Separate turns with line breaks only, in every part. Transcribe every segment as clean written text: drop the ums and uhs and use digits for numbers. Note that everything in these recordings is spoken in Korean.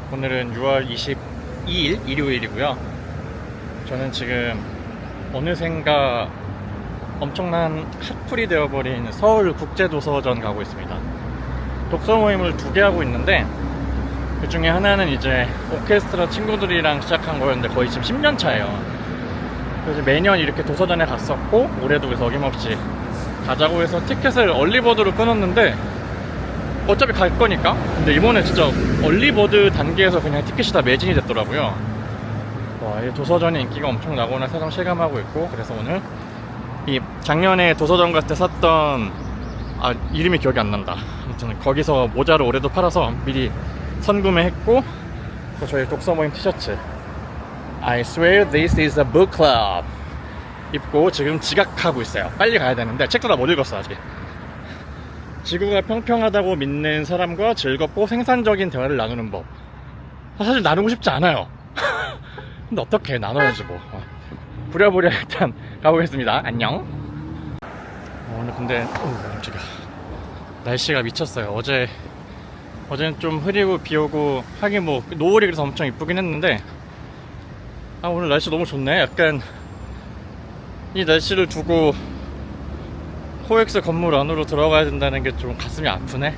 오늘은 6월 22일 일요일이고요. 저는 지금 어느샌가 엄청난 핫플이 되어버린 서울국제도서전 가고 있습니다. 독서 모임을 2개 하고 있는데 그 중에 하나는 이제 오케스트라 친구들이랑 시작한 거였는데 거의 지금 10년 차예요. 그래서 매년 이렇게 도서전에 갔었고 올해도 그래서 어김없이 가자고 해서 티켓을 얼리버드로 끊었는데 어차피 갈 거니까. 근데 이번에 진짜 얼리버드 단계에서 그냥 티켓이 다 매진이 됐더라고요. 와, 이 도서전의 인기가 엄청나구나 새삼 실감하고 있고, 그래서 오늘 이 작년에 도서전 갔을 때 샀던 이름이 기억이 안 난다. 아무튼 거기서 모자를 올해도 팔아서 미리 선구매했고, 또 저희 독서 모임 티셔츠 I swear this is a book club 입고 지금 지각하고 있어요. 빨리 가야 되는데 책도 다 못 읽었어 아직. 지구가 평평하다고 믿는 사람과 즐겁고 생산적인 대화를 나누는 법. 사실 나누고 싶지 않아요. 근데 어떻게 나눠야지 뭐. 부랴부랴 일단 가보겠습니다. 안녕. 오늘 근데 깜짝이야. 날씨가 미쳤어요. 어제는 좀 흐리고 비오고 하긴 뭐 노을이 그래서 엄청 이쁘긴 했는데 오늘 날씨 너무 좋네. 약간 이 날씨를 두고 코엑스 건물 안으로 들어가야 된다는 게 좀 가슴이 아프네.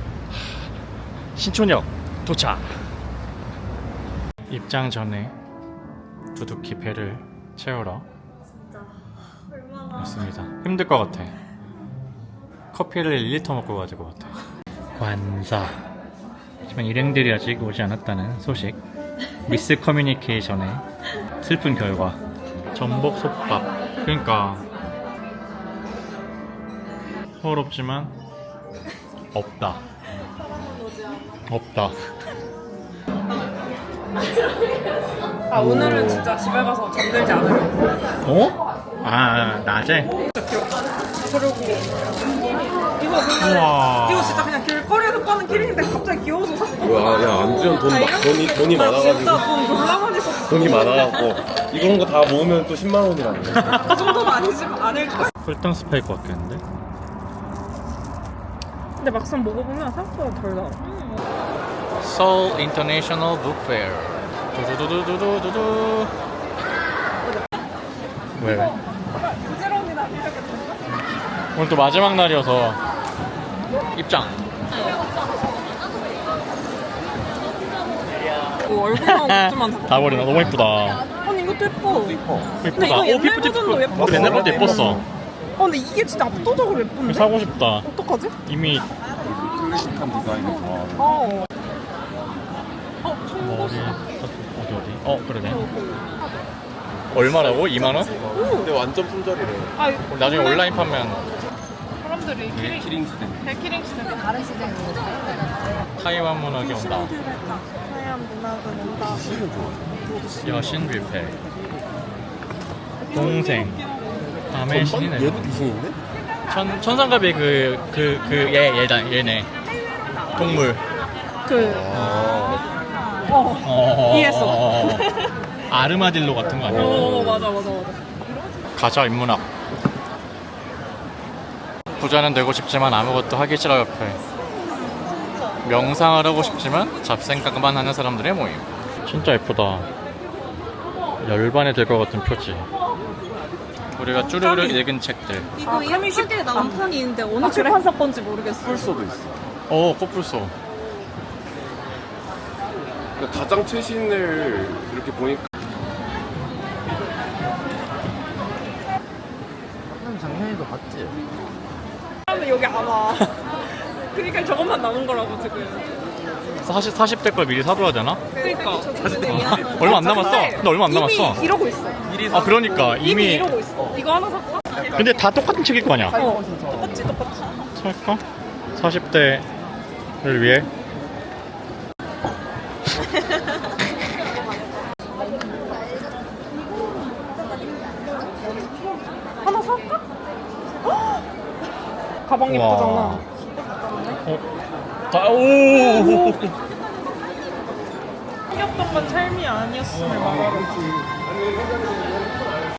신촌역 도착. 입장 전에 두둑히 배를 채우러
진짜 얼마나
왔습니다. 힘들 것 같아. 커피를 1리터 먹고 가지고 같아. 관사. 하지만 일행들이 아직 오지 않았다는 소식. 미스 커뮤니케이션의 슬픈 결과. 전복 솥밥. 그러니까 서럽지만 없다.
오늘은 진짜 집에 가서 잠들지 않으려고.
낮에?
그리고 이거 그냥
우와.
이거 진짜 그냥 길거리에서 파는 키링인데 갑자기 귀여워서 샀어.
뭐야, 야, 안주현 돈이
나
많아가지고.
진짜 돈 졸라 많이 썼어.
돈이 많아갖고. 이런 거 다 모으면 또 10만 원이라네.
그 정도는 아니지만 아닐걸?
꿀당 스파일 것 같겠는데?
근데 막상 먹어보면 생각보다 덜 달아.
Seoul International Book Fair. 두두두두두두두. 왜?
부지런히나 이렇게
오늘 또 마지막 날이어서 입장.
얼굴만 굿즈만
다 버리나? 너무 예쁘다.
아니 이것도 예뻐. 근데
예쁘다.
이거 옛날
피프티
버전도 예뻐.
옛날 것도 예뻤어.
근데 이게 진짜 압도적으로 예쁜데?
사고 싶다.
어떡하지?
이미
클래식한 디자인을 좋아하는.
머리 어디? 그러네. 얼마라고? 2만원?
근데 완전 품절이래.
나중에 온라인 파면
사람들이
키링 시대.
백키링 시대 다른 시대
타이완 문학이 온다.
하얀 문학은 온다.
여신 뷔페. 동생. 밤의 신이네.
얘도 귀신인데?
천상갑이 얘네. 동물.
이해했어.
아르마딜로 같은 거 아니야?
맞아.
가자 인문학. 부자는 되고 싶지만 아무것도 하기 싫어 옆에. 명상을 하고 싶지만 잡생각만 하는 사람들의 모임. 진짜 예쁘다. 열반이 될 것 같은 표지. 우리가 쭈르르 읽은 책들.
이거 예쁘게 나온 판이 있는데 어느 출판사 건지 모르겠어.
풀소도 있어.
코뿔소.
그러니까 가장 최신을 이렇게 보니까.
작년에도 봤지?
사람은 여기 안 와. 그러니까 저것만 남은 거라고 지금.
40대 걸 미리 사둬야 되나?
그러니까.
얼마 안 남았어. 근데 얼마 안 남았어.
이미 이러고 있어.
그러니까
이미
이미.
이러고 있어. 이거 하나 살까?
근데 다 똑같은 책일 거 아니야?
똑같지.
살까? 40대를 위해.
하나 살까? 가방 예쁘잖아.
오.
생겼던 건 삶이 아니었음을 말하러.